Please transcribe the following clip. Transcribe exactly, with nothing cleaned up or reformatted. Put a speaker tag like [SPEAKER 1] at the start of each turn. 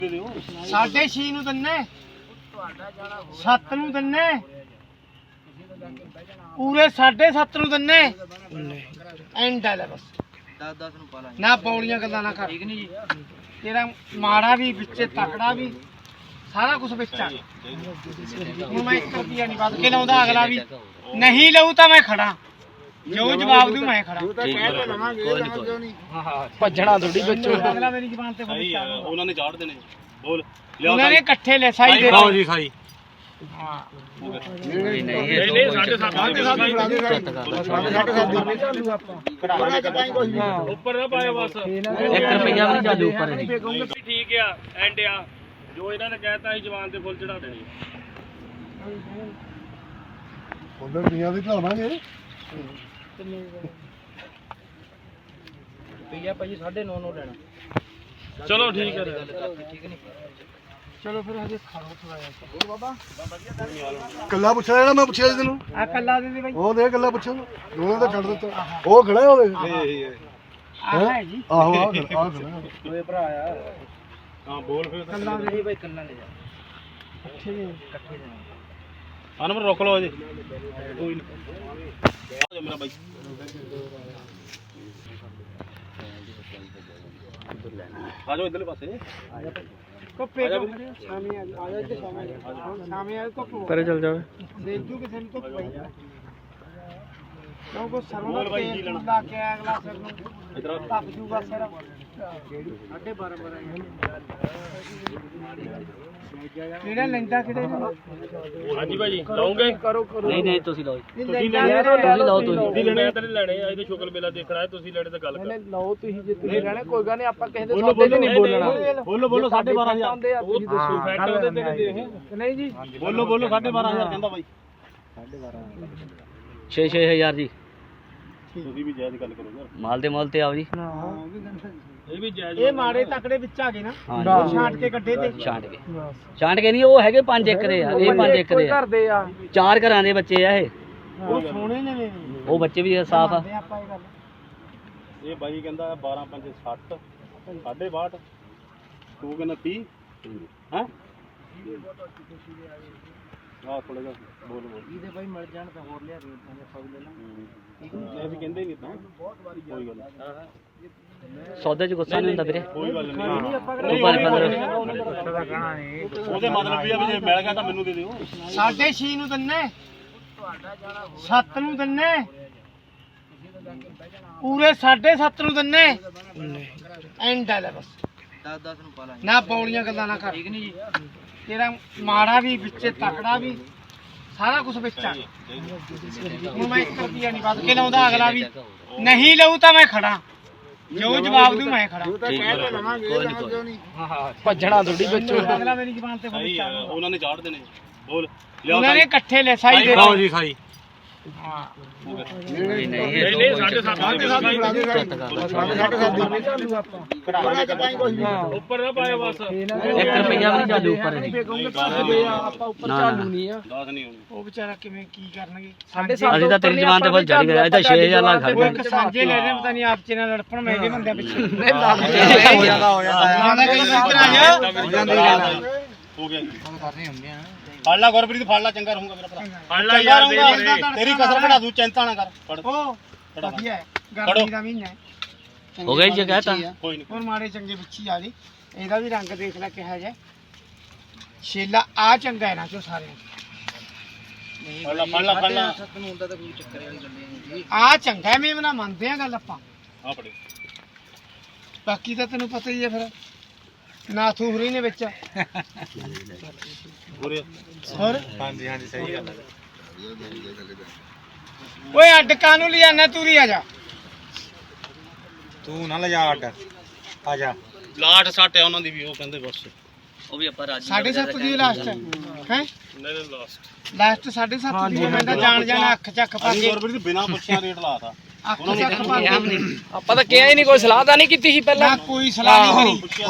[SPEAKER 1] साढ़े छे नूं दन्ने सत्त नूं दन्ने पूरे साढ़े सत्त नूं दन्ने एंड है बस ना पौड़ियां गल्लां ना कर तेरा माड़ा भी बिच्चे तकड़ा भी सारा कुछ बिच्चा हुण मैं एक रुपया नहीं बद के लाउंदा अगला भी नहीं लऊ तां मैं खड़ा जो जवाब दूं मैं खड़ा भजना थोड़ी बच्चों अगला मेरी जुबान ते बोल
[SPEAKER 2] ਉਹਨਾਂ ਨੇ ਝਾੜ ਦੇਣੇ ਬੋਲ
[SPEAKER 1] उन्होंने इकट्ठे ले साई दे
[SPEAKER 2] ਲਓ ਜੀ ਸਾਈ
[SPEAKER 1] हां
[SPEAKER 2] ਨਹੀਂ ਨਹੀਂ ਸਾਢੇ ਸੱਤ ਉੱਪਰ ਨਾ ਪਾਇਓ ਬਸ
[SPEAKER 3] एक रुपया भी नहीं चालू ऊपर
[SPEAKER 2] ਠੀਕ ਆ ਐਂਡ ਆ ਜੋ ਇਹਨਾਂ ਨੇ ਕਹਿਤਾ ਸੀ ਜਵਾਨ ਤੇ ਫੁੱਲ ਚੜਾ ਦੇਣੇ
[SPEAKER 4] ਉਧਰ ਦੀਆਂ ਵੀ ਚੜਾਵਾਂਗੇ
[SPEAKER 1] भैया भाई साढ़े नौ नौ लेना
[SPEAKER 2] ਚਲੋ ਠੀਕ ਹੈ
[SPEAKER 1] चलो फिर हजे खाओ थोड़ा यार बाबा
[SPEAKER 4] ਕੱਲਾ ਪੁੱਛਿਆ ਜਿਹੜਾ ਮੈਂ ਪੁੱਛਿਆ ਸੀ ਤੈਨੂੰ
[SPEAKER 1] आ कल्ला दे दे भाई
[SPEAKER 4] ਉਹ ਦੇ ਕੱਲਾ ਪੁੱਛਿਆ ਦੋਨਾਂ ਦਾ ਛੱਡ ਦਿੱਤਾ ਉਹ ਖੜਾ ਉਹ ਦੇਖ
[SPEAKER 1] आ है जी
[SPEAKER 4] ਆਹੋ ਆਹ ਖੜਾ ਆਹ ਖੜਾ
[SPEAKER 1] ओए भरा आ
[SPEAKER 2] ਹਾਂ ਬੋਲ ਫਿਰ
[SPEAKER 1] कल्ला दे भाई कल्ला ले जा अच्छे ने इकट्ठे जाना
[SPEAKER 2] ਹਾਂ ਨੰਬਰ ਰੋਕ ਲਓ ਜੀ ਕੋਈ ਨਹੀਂ ਆ ਜਾ ਮੇਰਾ ਬਾਈ ਆ ਜਾਓ ਇਧਰਲੇ ਪਾਸੇ
[SPEAKER 1] को पे को शामी आ जा इधर शामी शामी आ तो
[SPEAKER 3] परे चल जाओ
[SPEAKER 1] देजू किसे ने तो भाई क्यों को सरवण पे ला के अगला सर नु
[SPEAKER 2] इधर
[SPEAKER 1] तप जूगा सर साढ़े बारह बारह ਕਿਹੜਾ ਲੈਂਦਾ ਕਿਹੜੇ
[SPEAKER 2] ਹਾਂਜੀ ਭਾਜੀ ਲਾਉਂਗੇ
[SPEAKER 1] ਕਰੋ ਕਰੋ
[SPEAKER 3] नहीं नहीं तुसी लो
[SPEAKER 1] ਤੁਸੀਂ ਲੈਣਾ
[SPEAKER 3] तुसी लो तुसी
[SPEAKER 2] ਤੁਸੀਂ ਲੈਣੇ ਤਾਂ ਨਹੀਂ ਲੈਣੇ ਇਹਦੇ ਸ਼ੁਕਲ ਮੇਲਾ ਦੇਖਣਾ ਹੈ ਤੁਸੀਂ ਲੈਣੇ ਤਾਂ ਗੱਲ ਕਰ
[SPEAKER 1] ਲਓ ਤੁਸੀਂ ਜੇ ਤੁਸੀਂ ਲੈਣਾ ਕੋਈ ਗੱਲ ਨਹੀਂ ਆਪਾਂ ਕਿਸੇ ਦੇ ਸੌਦੇ ਤੇ ਨਹੀਂ ਬੋਲਣਾ
[SPEAKER 2] ਬੋਲੋ ਬੋਲੋ ਸਾਢੇ ਬਾਰਾਂ ਹਜ਼ਾਰ
[SPEAKER 1] ਤੁਸੀਂ ਦੱਸੋ
[SPEAKER 2] ਫੈਕਟ ਉਹਦੇ ਤੇ ਦੇ
[SPEAKER 1] ਨਹੀਂ ਜੀ
[SPEAKER 2] ਬੋਲੋ ਬੋਲੋ ਸਾਢੇ ਬਾਰਾਂ ਹਜ਼ਾਰ ਕਹਿੰਦਾ ਬਾਈ
[SPEAKER 3] छे छे हजार जी
[SPEAKER 2] ਤੁਸੀਂ ਵੀ ਜਾਇਜ਼ ਗੱਲ ਕਰੋ ਯਾਰ
[SPEAKER 3] माल दे मोल ते आओ जी
[SPEAKER 2] ਇਹ ਵੀ ਜਾਇਜ਼
[SPEAKER 1] ਇਹ ਮਾੜੇ ਤਕੜੇ ਵਿੱਚ ਆ ਗਏ ਨਾ
[SPEAKER 3] हाँ
[SPEAKER 1] ਛਾਂਟ ਕੇ ਕੱਢੇ ਤੇ
[SPEAKER 3] छांट के छांट के नहीं वो है पांच एकड़ है ये पांच एकड़ है
[SPEAKER 1] ਕਰਦੇ ਆ
[SPEAKER 3] चार घरां दे बच्चे है ये
[SPEAKER 1] ਉਹ ਸੋਹਣੇ ਨੇ ਨੇ
[SPEAKER 3] वो बच्चे भी साफ है
[SPEAKER 1] ਆਪਾਂ ਇਹ ਗੱਲ
[SPEAKER 2] ਇਹ ਬਾਈ ਕਹਿੰਦਾ ਬਾਰਾਂ ਪੰਜ ਸੱਠ ਸਾਢੇ ਬਾਹਠ ਤੂੰ ਕਹਿੰਦਾ ਤੀਹ ਹੈ ਆਹ ਥੋੜਾ ਜਿਹਾ ਬੋਲ ਬੋਲ
[SPEAKER 1] ਇਹਦੇ ਭਾਈ ਮਿਲ ਜਾਣ ਤਾਂ ਹੋਰ ਲਿਆ ਰੇਟ ਤਾਂ ਆਪਾਂ ਵੀ ਲੈ ਲਾਂਗੇ
[SPEAKER 2] ਇਹ ਵੀ ਕਹਿੰਦੇ ਨਹੀਂ ਤਾਂ ਕੋਈ ਗੱਲ ਨਹੀਂ
[SPEAKER 3] सौदे च गुस्सा नहीं होंदा वीरे
[SPEAKER 2] ਕੋਈ ਗੱਲ ਨਹੀਂ
[SPEAKER 3] तू पर पंद्रह
[SPEAKER 2] ਉਹਦੇ ਮਤਲਬ ਵੀ ਆ ਵੀ ਜੇ ਮਿਲ ਗਿਆ ਤਾਂ ਮੈਨੂੰ ਦੇ ਦਿਓ
[SPEAKER 1] ਸਾਢੇ ਛੇ ਨੂੰ ਦੰਨੇ ਸੱਤ ਨੂੰ ਦੰਨੇ ਪੂਰੇ ਸਾਢੇ ਸੱਤ ਨੂੰ ਦੰਨੇ ਐਂਡ ਹੈ ਬਸ
[SPEAKER 3] दस दस नु पाला
[SPEAKER 1] ਨਾ ਪੌੜੀਆਂ ਗੱਲਾਂ ਨਾ ਕਰ ਤੇਰਾ ਮਾੜਾ ਵੀ ਵਿੱਚੇ ਤਕੜਾ ਵੀ ਸਾਰਾ ਕੁਝ ਵਿੱਚ ਆ ਹੁਣ ਮੈਂ ਇੱਕ ਰੁਪਿਆ ਨਹੀਂ ਵੱਧ ਕੇ ਲਾਉਂਦਾ ਅਗਲਾ ਵੀ ਨਹੀਂ ਲਊ ਤਾਂ ਮੈਂ ਖੜਾ ਜੋ ਜਵਾਬ ਦੂੰ ਮੈਂ ਖੜਾ ਭੱਜਣਾ ਥੋੜੀ ਬੱਚੋ ਅਗਲਾ ਮੇਰੀ ਜ਼ੁਬਾਨ ਤੇ ਬੋਲ
[SPEAKER 2] ਸਹੀ ਆ ਉਹਨਾਂ ਨੇ ਝਾੜ ਦੇਣੇ ਬੋਲ
[SPEAKER 1] ਉਹਨਾਂ ਨੇ ਇਕੱਠੇ ਲੈ ਸਾਈ ਦੇ
[SPEAKER 2] ਲਓ ਜੀ ਸਾਈ
[SPEAKER 1] ਹਾਂ
[SPEAKER 3] नहीं नहीं
[SPEAKER 2] ਨਹੀਂ ਨਹੀਂ ਸਾਢੇ ਸੱਤ ਸਾਢੇ ਸੱਤ ਉੱਪਰ ਨਾ ਪਾਇਓ ਬਸ
[SPEAKER 3] एक रुपया भी नहीं चालू ऊपर
[SPEAKER 1] ਆਪਾਂ ਉੱਪਰ ਚਾਲੂ ਨਹੀਂ ਆ
[SPEAKER 2] ਦਸ ਨਹੀਂ ਹੋਣੀ
[SPEAKER 1] ਉਹ ਵਿਚਾਰਾ ਕਿਵੇਂ ਕੀ ਕਰਨਗੇ ਸਾਢੇ
[SPEAKER 3] ਅਸੀਂ ਤਾਂ ਤੇਰੀ ਜ਼ਬਾਨ ਤੇ ਫੁੱਲ ਚੜੀ ਗਿਆ ਇਹ ਤਾਂ ਛੇ ਹਜ਼ਾਰ ਲੱਖ ਖੜ
[SPEAKER 1] ਉਹ ਇੱਕ ਸਾਂਝੇ ਲੈ ਰਹੇ ਪਤਾ ਨਹੀਂ ਆਪ ਚ ਨਾਲ ਲੜਪਣ ਮੈਂ ਇਹਦੇ ਬੰਦਿਆਂ ਪਿੱਛੇ
[SPEAKER 3] ਹੋ ਜਾਂਦਾ हो जाता है
[SPEAKER 2] ਹੋ ਗਿਆ ਫੜ ਲਾ ਗੁਰਪ੍ਰੀਤ ਫੜ ਲਾ ਚੰਗਾ ਰਹੂੰਗਾ ਮੇਰਾ ਭਰਾ ਫੜ ਲਾ ਯਾਰ ਤੇਰੀ ਕਸਰ ਘਟਾ ਦੂੰ ਚਿੰਤਾ ਨਾ ਕਰ ਫੜ
[SPEAKER 1] ਉਹ ਵਧੀਆ ਹੈ ਗਰਮੀ ਦਾ ਮਹੀਨਾ ਹੈ
[SPEAKER 3] हो गई जी कहता
[SPEAKER 2] ਕੋਈ ਨਹੀਂ
[SPEAKER 1] ਹੋਰ ਮਾੜੇ ਚੰਗੇ ਵਿੱਚੀ ਆ ਜੀ ਇਹਦਾ ਵੀ ਰੰਗ ਦੇਖ ਲੈ ਕਿਹਾ ਜਾ ਛੇਲਾ ਆ ਚੰਗਾ ਹੈ ਨਾ ਚੋ ਸਾਰੇ
[SPEAKER 2] ਫੜ ਲਾ ਫੜ ਲਾ ਫੜ ਲਾ
[SPEAKER 1] ਆ ਚੰਗਾ ਮੇਮਨਾ ਮੰਨਦੇ ਆ ਗੱਲ ਆਪਾਂ
[SPEAKER 2] ਆ ਫੜੇ
[SPEAKER 1] ਬਾਕੀ ਤਾਂ ਤੈਨੂੰ ਪਤਾ ਹੀ ਹੈ ਫਿਰ ਨਾਥੂ ਹੁਰੀ ਨੇ ਵਿੱਚ
[SPEAKER 2] ਹੋਰੇ
[SPEAKER 1] ਹੋਰ
[SPEAKER 2] ਹਾਂਜੀ ਹਾਂਜੀ ਸਹੀ ਗੱਲ ਹੈ
[SPEAKER 1] ਓਏ ਅੱਡ ਕਾਨੂੰ ਲਿਆਣਾ ਤੂਰੀ ਆ ਜਾ
[SPEAKER 2] ਤੂੰ ਨਾ ਲਿਜਾ ਅੱਡ ਆ ਜਾ ਲਾਟ ਸੱਟ ਆ ਉਹਨਾਂ ਦੀ ਵੀ ਉਹ ਕਹਿੰਦੇ ਬਸ
[SPEAKER 3] वो भी अपन राजी
[SPEAKER 1] ਸਾਢੇ ਸੱਤ ਦੀ ਲਾਸਟ ਹੈ ਹੈ
[SPEAKER 2] ਨਹੀਂ ਨਹੀਂ ਲਾਸਟ
[SPEAKER 1] ਲਾਸਟ ਸਾਢੇ ਸੱਤ ਦੀ ਮੈਂ ਤਾਂ ਜਾਣ ਜਾਣ ਅੱਖ ਚੱਕ ਪਾ ਕੇ
[SPEAKER 2] ਗੁਰਪ੍ਰੀਤ ਬਿਨਾ ਪੁੱਛਿਆ ਰੇਟ ਲਾਤਾ
[SPEAKER 1] ਅੱਖ ਚੱਕ ਪਾ ਕੇ
[SPEAKER 3] ਆਪਾਂ ਤਾਂ ਕਿਹਾ ਹੀ ਨਹੀਂ ਕੋਈ ਸਲਾਹ ਤਾਂ ਨਹੀਂ ਕੀਤੀ ਸੀ
[SPEAKER 1] ਨਾ ਕੋਈ ਸਲਾਹ ਨਹੀਂ ਕਰੀ